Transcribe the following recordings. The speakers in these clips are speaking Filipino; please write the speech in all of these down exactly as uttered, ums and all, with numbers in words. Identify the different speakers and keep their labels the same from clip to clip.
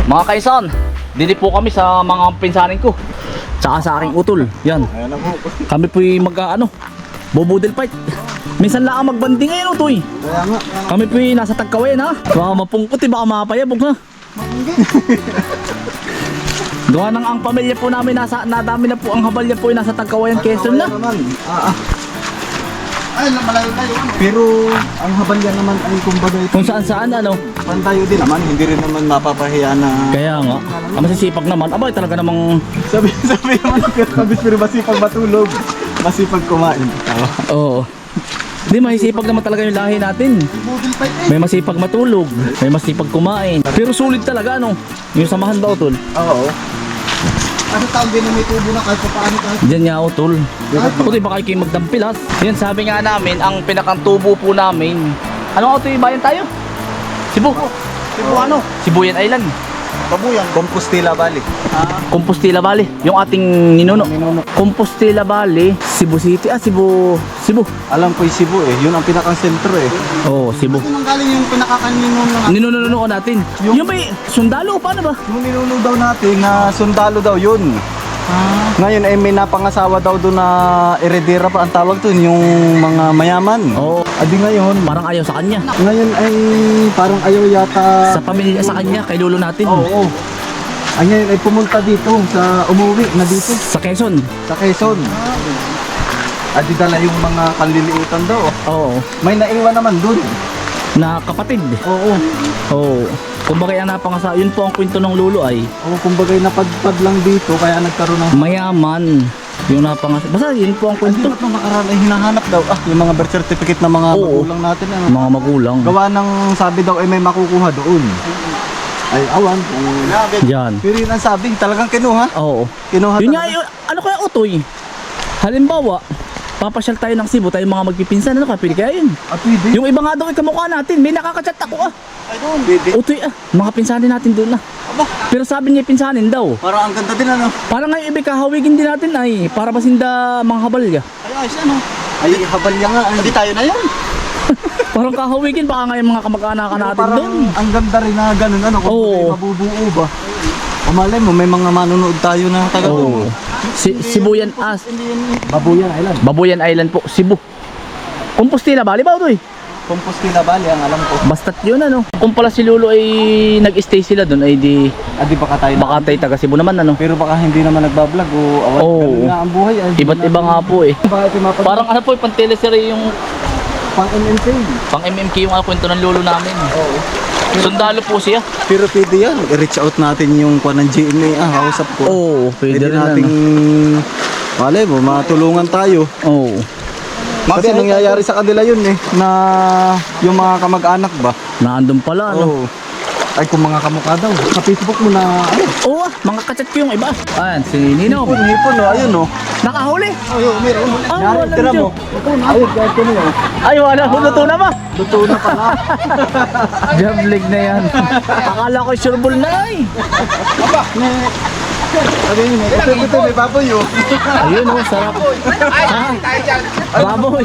Speaker 1: Mga kaisan, dito po kami sa mga pinsanin ko. Tsaka sa aking utol. Yan. Kami po'y mag ano, bobudel fight. Minsan lang magbanding ngayon utoy.
Speaker 2: Kaya nga.
Speaker 1: Kami po'y nasa Tagkawayan ha. Baka mapungkot eh, baka mapayabog ha. Gawa ng ang pamilya po namin nasa, nadami na po ang habalya po ay nasa Tagkawayan, Quezon na.
Speaker 2: Ah, ah. Ay, malayo tayo. Pero ang habalya naman ay kumbaga ito.
Speaker 1: Kung saan saan ano.
Speaker 2: Pantayo din naman, hindi rin naman mapapahiya na.
Speaker 1: Kaya nga, ang masisipag naman. Abay talaga namang.
Speaker 2: Sabi, sabi naman kabis pero masipag matulog. Masipag kumain. Tawa.
Speaker 1: Oo. Hindi, masisipag naman talaga yung lahi natin.
Speaker 2: Budil fight eh.
Speaker 1: May masipag matulog, may masipag kumain. Pero sulit talaga ano, yung samahan daw tol.
Speaker 2: Oo. Ano tawag din na may tubo na kahit pa paano kahit.
Speaker 1: Diyan nga o tol. Puti baka kayo magdampilas. Yan sabi nga namin, ang pinakang tubo po namin. Ano auto yung bayan tayo? Cebu.
Speaker 2: Tipo ano?
Speaker 1: Sibuyan Island.
Speaker 2: Babuyan. Compostela Valley. Ah.
Speaker 1: Compostela Valley, yung ating ninuno.
Speaker 2: Ninuno.
Speaker 1: Compostela Valley, Cebu City. Ah, Cebu. Cebu.
Speaker 2: Alam ko yung Cebu eh. Yun ang pinakang sentro eh.
Speaker 1: Oo, oh, Cebu.
Speaker 2: Saan ang galing yung pinakakanino na
Speaker 1: Ninununo natin. Yung, yung may sundalo, paano ba?
Speaker 2: yung ninuno daw natin na sundalo daw yun.
Speaker 1: Ah.
Speaker 2: Ngayon ay may napangasawa daw doon na heredera pa ang tawag doon, yung mga mayaman.
Speaker 1: Oo.
Speaker 2: Adi ngayon,
Speaker 1: Parang ayaw sa kanya.
Speaker 2: ngayon ay parang ayaw yata.
Speaker 1: Sa pamilya sa kanya, kay lolo natin.
Speaker 2: Oo. oo. Ay ngayon ay pumunta dito sa umuwi na dito
Speaker 1: Sa Quezon.
Speaker 2: sa Quezon. Adi dala yung mga kanliliutan daw.
Speaker 1: Oo.
Speaker 2: May naiwan naman doon.
Speaker 1: Na kapatid.
Speaker 2: Oo.
Speaker 1: Oo. Kumbaga ang napangasa, yun po ang kwento ng lolo ay
Speaker 2: Oo, kumbaga napadpad lang dito kaya nagkaroon ng.
Speaker 1: mayaman. Yung napangasa. Basta yun po ang
Speaker 2: Hindi
Speaker 1: kwento.
Speaker 2: ba't nung nakaraan ay hinahanap daw ah yung mga birth certificate ng mga
Speaker 1: Oo.
Speaker 2: magulang natin ano.
Speaker 1: Mga magulang.
Speaker 2: Gawa ng sabi daw ay may makukuha doon. Ay awan. kung-
Speaker 1: Yan.
Speaker 2: Pero yun ang sabi, talagang kinuha.
Speaker 1: Oo.
Speaker 2: Kinuha
Speaker 1: Yun nga,
Speaker 2: talaga.
Speaker 1: yun, ano kaya utoy? Halimbawa, papasyal tayo ng Cebu, tayo mga magpipinsan, ano ka, pili kaya yun?
Speaker 2: Ah, pwede.
Speaker 1: Yung iba nga daw ay kamukha natin, may nakakachat ako ah.
Speaker 2: Ay doon. Pwede.
Speaker 1: Utoy ah, mga pinsanin natin doon ah.
Speaker 2: Aba,
Speaker 1: Pero sabi niya pinsanin daw.
Speaker 2: parang ang ganda din ano.
Speaker 1: Parang ngayon ibig kahawigin din natin ay, para basinda mga habalya.
Speaker 2: Ay ayos ano. Ay habalya nga. Hindi tayo na yan.
Speaker 1: Parang kahawigin, baka ngayon mga kamag-anakan natin
Speaker 2: Parang
Speaker 1: doon.
Speaker 2: ang ganda rin na ganun ano. Kung
Speaker 1: Oo.
Speaker 2: may mabubuo ba. O malay mo, may mga manonood tayo na taga
Speaker 1: Oo.
Speaker 2: doon.
Speaker 1: Si Sibuyan As.
Speaker 2: Babuyan Island.
Speaker 1: Babuyan Island po, Cebu. Compostela Valley ba ito eh?
Speaker 2: Compostela Valley ang alam ko.
Speaker 1: Basta't yun ano. Kung pala si Lolo ay nag-stay sila doon ay di
Speaker 2: Ah, di baka tayo na.
Speaker 1: baka tayo taga Cebu naman ano.
Speaker 2: Pero baka hindi naman nagbablog o awan.
Speaker 1: Oo.
Speaker 2: Ganun nga ang buhay. Ay,
Speaker 1: Iba't iba nga po eh.
Speaker 2: Bakit yung mapag-
Speaker 1: Parang ano po, pang teleserye yung
Speaker 2: pang M M K.
Speaker 1: pang M M K yung ah, kwento ng lolo namin.
Speaker 2: Oo.
Speaker 1: Sundalo po siya.
Speaker 2: Pero pwede yan. I-reach out natin yung kwan ng G M A. Ah, kausap ko.
Speaker 1: Oo, pwede,
Speaker 2: Pwede
Speaker 1: rin
Speaker 2: nating,
Speaker 1: ano.
Speaker 2: malay mo, matulungan tayo.
Speaker 1: Oo.
Speaker 2: Kasi nangyayari sa kanila yun eh, na yung mga kamag-anak ba?
Speaker 1: Naandun pala ano.
Speaker 2: Oo. Ay, kung mga kamukha daw. Sa Facebook mo na, ano?
Speaker 1: Oo, ah, mga kachat ko yung iba. Ayan, si Nino.
Speaker 2: Hipon, hipon, oh, ayun oh.
Speaker 1: Nakahuli.
Speaker 2: Ayun, meron.
Speaker 1: Ah,
Speaker 2: Nari,
Speaker 1: wala
Speaker 2: tira
Speaker 1: dyan.
Speaker 2: mo. Ayun, kahit ko na yun.
Speaker 1: Ay, wala. Luto na ba?
Speaker 2: Luto na pala.
Speaker 1: Jablig na yan. Akala ko sureball na ay.
Speaker 2: Aba, may... Sabi niyo, may ito, may baboy oh.
Speaker 1: Ayun oh, sarap. Ha? Baboy.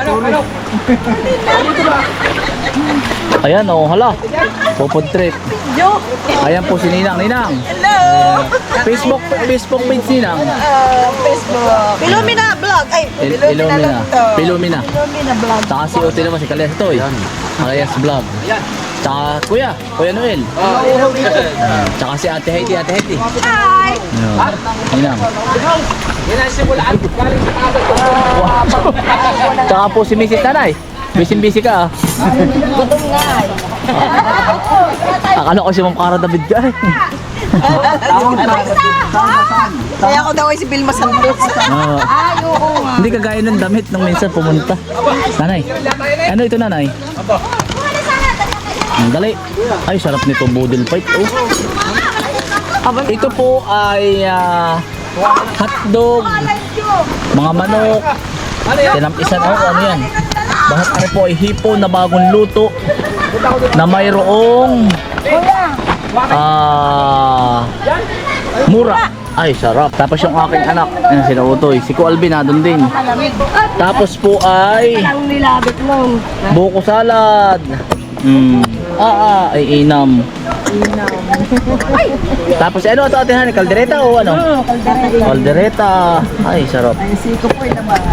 Speaker 1: Ayan oh, hala. Popod trip. Ayan po si Ninang. Ninang.
Speaker 3: Hello!
Speaker 1: Facebook Facebook page Ninang.
Speaker 3: Uh, Facebook. Pilumina Vlog. Ay,
Speaker 1: Il
Speaker 3: Pilumina
Speaker 1: Ilumina.
Speaker 3: lang to.
Speaker 1: Pilumina.
Speaker 3: Pilumina Vlog.
Speaker 1: Tsaka si Ote naman si Kalyas Toy. Kalyas Vlog. Tsaka Kuya, Kuya Noel. Tsaka si Ate Heidi, Ate Heidi.
Speaker 3: Hi!
Speaker 1: Ayan. Ninang. Tsaka po si Missus Tanay. Busy-busy ka ah.
Speaker 3: Gutom nga eh.
Speaker 1: Akala ko si Ma'am Cara David ka eh.
Speaker 3: Kaya ako daw ay si Vilma Santos.
Speaker 1: Oo.
Speaker 3: Ay, oo nga.
Speaker 1: Hindi kagaya ng damit nung minsan pumunta. Nanay. Ano ito nanay? Ang dali. Ay sarap nito budel fight. Oh. Ito po ay ah, hotdog, mga manok, tinampisan oh, ano yan? Bakit ano po ay hipon na bagong luto na mayroong ah mura. Ay, sarap. Tapos yung aking anak, yan sila Utoy. Si Ku Alvin na doon din. Tapos po ay
Speaker 3: Ang nilabit nun.
Speaker 1: buko salad. Mm. Ah, ah, ay inam. Tapos ano ito atin hani? Kaldereta o ano? Kaldereta. Ay, sarap.
Speaker 3: Ay, siko po yung naman.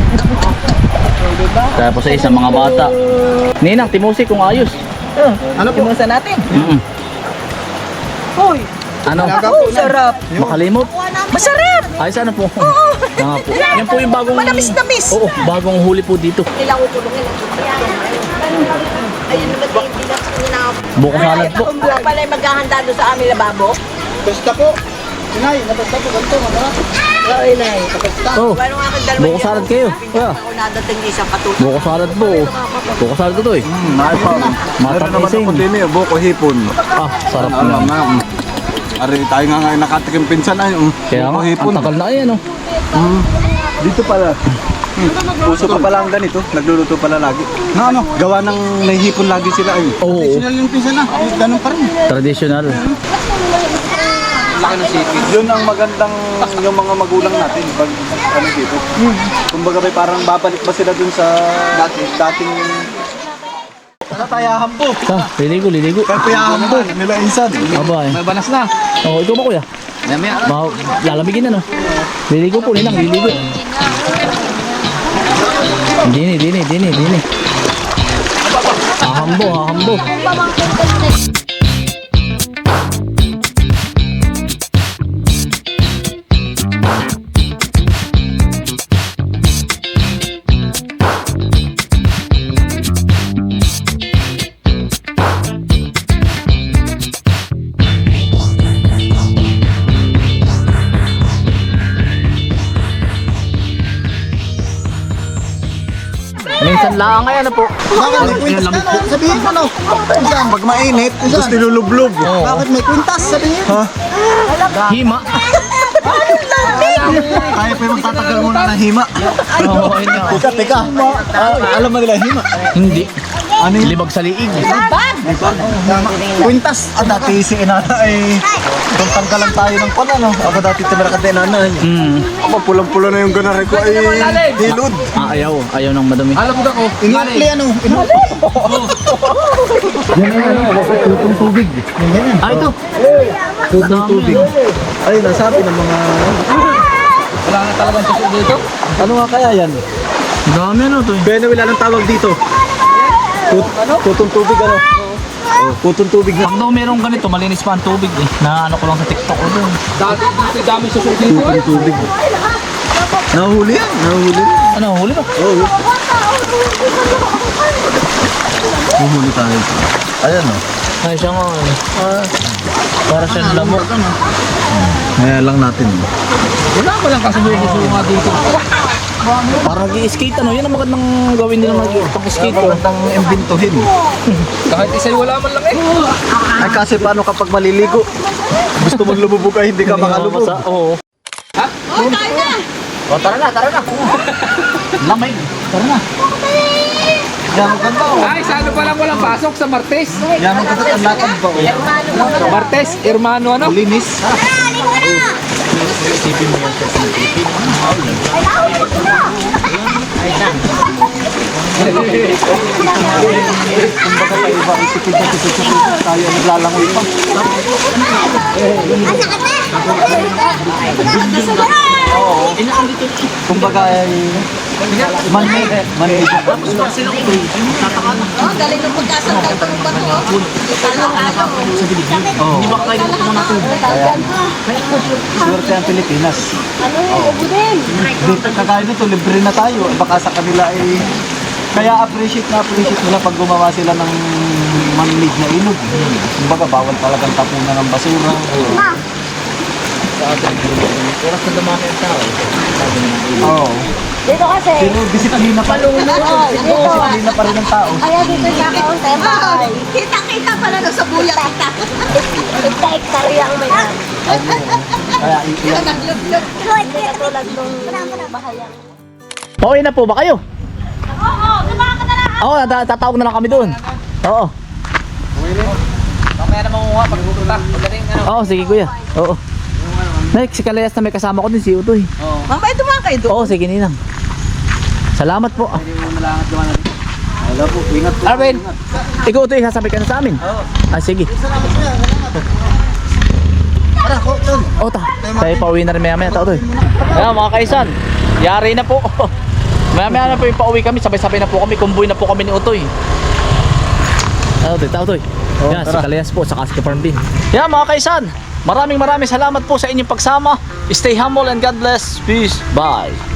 Speaker 1: Tapos ay isang mga bata. Ninang, timusi kung ayos.
Speaker 3: Ano po? Timusa natin.
Speaker 1: Mm-mm.
Speaker 3: Hoy!
Speaker 1: Ano?
Speaker 3: Oh, sarap.
Speaker 1: Makalimot?
Speaker 3: Masarap!
Speaker 1: Ayos ano po? Nga po. Yan po yung bagong...
Speaker 3: Manamis-namis.
Speaker 1: Oo, bagong huli po dito.
Speaker 3: Kailangan ko tulungin ang ayun naman din bilang na
Speaker 1: Buko salad po.
Speaker 3: Kung pala yung maghahanda doon sa aming lababo.
Speaker 2: Basta po. Inay, nabasta po ganito. Ano?
Speaker 3: Oo, inay.
Speaker 1: Oh,
Speaker 3: Paano nga kang dalawa
Speaker 1: buko salad kayo. Kuya.
Speaker 3: Ako nadating na isang katuto.
Speaker 1: Buko salad po. Buko salad ito eh.
Speaker 2: Hmm, ay pa. Meron naman
Speaker 1: Matapising.
Speaker 2: ako din eh, buko hipon.
Speaker 1: Ah, sarap
Speaker 2: Ano,
Speaker 1: na.
Speaker 2: ma'am. Ari, tayo nga ngayon nakatikim pinsan ay. um,
Speaker 1: Kaya nga,
Speaker 2: buko hipon.
Speaker 1: ang tagal na yan oh.
Speaker 2: Hmm. Dito pala. Hmm. Puso pa pala ang ganito. Nagluluto pala lagi. Na ano? Gawa ng may hipon lagi sila ay.
Speaker 1: Oo.
Speaker 2: Traditional yung pinsan na. Ganun pa rin.
Speaker 1: Traditional.
Speaker 2: Yun ang magandang yung mga magulang natin pag ano dito. Kumbaga may parang babalik ba sila dun sa dati, dating Katayahan po.
Speaker 1: Ah, liligo, liligo.
Speaker 2: Katayahan po nila insan.
Speaker 1: Aba eh.
Speaker 2: May banas na.
Speaker 1: Oo, ikaw ba kuya? Ba, lalamigin na no? Liligo po, ninang, liligo. Dini, dini, dini, dini. Hahambo, hahambo. Minsan lang ay ano po.
Speaker 2: Bakit may kwintas na no? Sabihin mo no. Insan, pag mainit, gusto nilulublob.
Speaker 1: Oo.
Speaker 2: Bakit may kwintas? Sabihin. Ha?
Speaker 1: Hima.
Speaker 2: Kaya pa yung magtatagal muna ng hima.
Speaker 1: Oo, ayun nga.
Speaker 2: Teka, teka. Ah, alam mo nila hima?
Speaker 1: Hindi.
Speaker 2: Ano yung
Speaker 1: Libag sa liig.
Speaker 2: kwintas? Ah, dati si Inana ay kung tanggalan tayo ng pala no. Ako dati tumira ka din Inana.
Speaker 1: Hmm.
Speaker 2: Ako pulang-pula na yung ganari ko ay dilud.
Speaker 1: Ah, ayaw. Ayaw ng madami.
Speaker 2: Alam mo ako. Inipli ano? Inipli. Yan ay ano, tutong tubig. Yan yan.
Speaker 1: Ah, ito.
Speaker 2: Tutong tubig. Ay, nasabi ng mga...
Speaker 1: Wala na talagang suso dito.
Speaker 2: Ano nga kaya yan?
Speaker 1: Dami ano to eh.
Speaker 2: Benawil, anong tawag dito? Tut tutong tubig ano? Oh, tutong tubig na.
Speaker 1: Pag daw merong ganito, malinis pa ang tubig eh. Na ano ko lang sa TikTok ko doon. Dati dito dami suso dito.
Speaker 2: Tutong tubig. Nahuli yan, nahuli.
Speaker 1: Ano, huli ba?
Speaker 2: Oo. Humuli tayo. Ayan o.
Speaker 1: Ay, siya nga. eh. Ah, para siyang lamok.
Speaker 2: Kaya lang natin.
Speaker 1: Wala pa lang kasi suso nga dito. Para nag-i-skate ano, yan ang magandang gawin nila mag-skate.
Speaker 2: Magandang imbintuhin.
Speaker 1: Kahit isa'y wala man lang eh.
Speaker 2: Ay kasi paano kapag maliligo? Gusto mong lumubog ay hindi ka makalubog.
Speaker 1: Oo. Ha?
Speaker 3: Oh, tayo na!
Speaker 1: O, tara na, tara na. Lamay. Tara na.
Speaker 2: Yan ang ganda o.
Speaker 4: Ay, sa ano pa lang walang pasok sa Martes?
Speaker 2: Yan ang ganda ang lakad ba o.
Speaker 4: Martes, Hermano ano?
Speaker 2: Linis. Kumbaga pa iba, isipid na isipid sa tubig tayo naglalangoy pa. Oo. Kumbaga ay man-made. Man-made.
Speaker 3: Oh, galing ng pagkasangkal ko ba to? Talang-alang.
Speaker 2: Oo.
Speaker 1: Hindi ba kayo dito muna to?
Speaker 2: Swerte ang Pilipinas. Dito kagaya nito, libre na tayo. Baka sa kanila ay kaya appreciate na appreciate nila pag gumawa sila ng man-made na ilog. Kumbaga bawal talagang tapunan ng basura.
Speaker 1: Oras na dumami ang tao.
Speaker 2: Oo.
Speaker 5: Dito kasi.
Speaker 2: Pero disiplina pa rin. Disiplina pa rin ng tao.
Speaker 5: Kaya dito sa kaunti ang bahay.
Speaker 3: Kita-kita pala na sa buya kita.
Speaker 5: Ikta-iktarya ang may ano.
Speaker 2: Kaya iiyak.
Speaker 3: Naglug-lug.
Speaker 5: Hindi katulad nung bahay ang.
Speaker 1: Pauwi na po ba kayo? Oo, sumama ka na lang. Oo, tata- tatawag na lang kami doon. Oo.
Speaker 4: Mamaya na manguha pag pupunta. Pagdating ano.
Speaker 1: Oo, sige kuya. Oo. Next, si Kalayas na may kasama ko din, si Utoy.
Speaker 3: Mamaya dumaan kayo doon.
Speaker 1: Oo, sige ninang. Salamat po.
Speaker 2: Wala po, ingat po.
Speaker 1: Arvin, ikaw Utoy, sasabi ka na sa amin. Oo. Ah, sige.
Speaker 2: Para ko, tol.
Speaker 1: Oh, ta. Tayo pauwi na rin maya maya, tao to. Ayan mga kaisan, yari na po. Maya maya na po yung pauwi kami, sabay-sabay na po kami, kumbuy na po kami ni Utoy. Tao to, tao to. Yan, si
Speaker 2: tara.
Speaker 1: Kalayas po, saka si Kaparmbin. Yan mga kaisan, maraming maraming salamat po sa inyong pagsama. Stay humble and God bless. Peace. Bye.